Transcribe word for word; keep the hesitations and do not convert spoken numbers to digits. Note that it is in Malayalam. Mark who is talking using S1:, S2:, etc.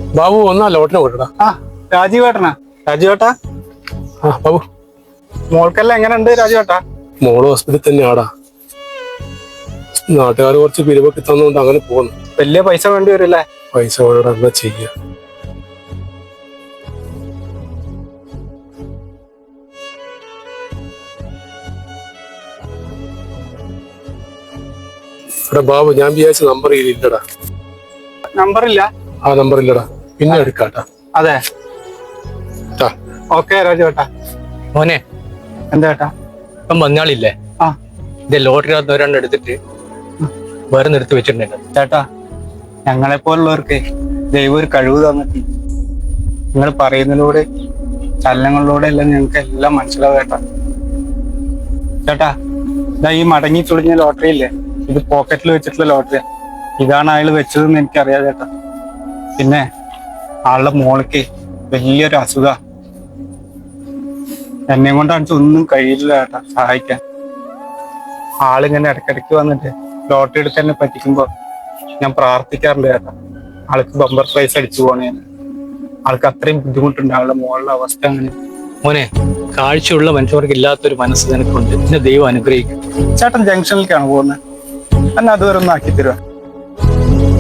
S1: ബാബു ഒന്നാ ലോട്ടിനെ വിട്ടടാ.
S2: ആ രാജീവേട്ടനാ? രാജീവേട്ടാ,
S1: ആ ബാബു,
S2: മോൾക്കെല്ലാം എങ്ങനെയുണ്ട് രാജീവേട്ടാ?
S1: മോള് ഹോസ്പിറ്റലിൽ തന്നെയാടാ. നാട്ടുകാർ കുറച്ച് പിരിവൊക്കെ തന്നുകൊണ്ട് അങ്ങനെ പോകുന്നു.
S2: വലിയ പൈസ വേണ്ടി വരില്ലേ?
S1: പൈസ വേണം, എന്താ ചെയ്യ. എടാ ബാബു, ഞാൻ വിചാരിച്ച നമ്പർ ഇല്ലടാ.
S2: നമ്പറില്ല?
S1: ആ നമ്പർ ഇല്ലടാ, പിന്നെ എടുക്കാട്ടാ.
S2: അതെ, ഓക്കെ രാജുവേട്ടാ.
S3: മോനെ,
S2: എന്താ ചേട്ടാ?
S3: ഇപ്പം മഞ്ഞാളില്ലേ?
S2: ആ,
S3: ഇത് ലോട്ടറി ഒരെണ്ണം എടുത്തിട്ട് വേറെ നിർത്തി വെച്ചിട്ടുണ്ടല്ലോ
S2: ചേട്ടാ. ഞങ്ങളെ പോലുള്ളവർക്ക് ദൈവം ഒരു കഴിവ് തന്നിട്ട് നിങ്ങൾ പറയുന്നതിലൂടെ ചലനങ്ങളിലൂടെ എല്ലാം ഞങ്ങൾക്ക് എല്ലാം മനസ്സിലാവും ചേട്ടാ. ചേട്ടാ, ഇതാ ഈ മടങ്ങി ചുളിഞ്ഞ ലോട്ടറി ഇല്ലേ, ഇത് പോക്കറ്റിൽ വെച്ചിട്ടുള്ള ലോട്ടറിയാ. ഇതാണ് അയാൾ വെച്ചതെന്ന് എനിക്കറിയാം ചേട്ടാ. പിന്നെ ആളുടെ മോൾക്ക് വലിയൊരു അസുഖ, എന്നെ കൊണ്ടാണ് ഒന്നും കഴിയില്ല ചേട്ടാ സഹായിക്കാൻ. ആളിങ്ങനെ ഇടയ്ക്കിടയ്ക്ക് വന്നിട്ട് ലോട്ടറി എടുത്ത് തന്നെ പറ്റിക്കുമ്പോ ഞാൻ പ്രാർത്ഥിക്കാറുണ്ട് ചേട്ടാ, ആൾക്ക് ബമ്പർ പ്രൈസ് അടിച്ചു പോണേ. ആൾക്ക് അത്രയും ബുദ്ധിമുട്ടുണ്ട്, ആളുടെ മോളുടെ അവസ്ഥ അങ്ങനെ.
S3: മോനെ, കാഴ്ചയുള്ള മനുഷ്യർക്ക് ഇല്ലാത്തൊരു മനസ്സ് നിനക്കുണ്ട്. എന്നെ ദൈവം അനുഗ്രഹിക്കും.
S2: ചേട്ടൻ ജംഗ്ഷനിലേക്കാണ് പോകുന്നത്, എന്നെ അതുവരെ ഒന്ന് ആക്കി തരുക.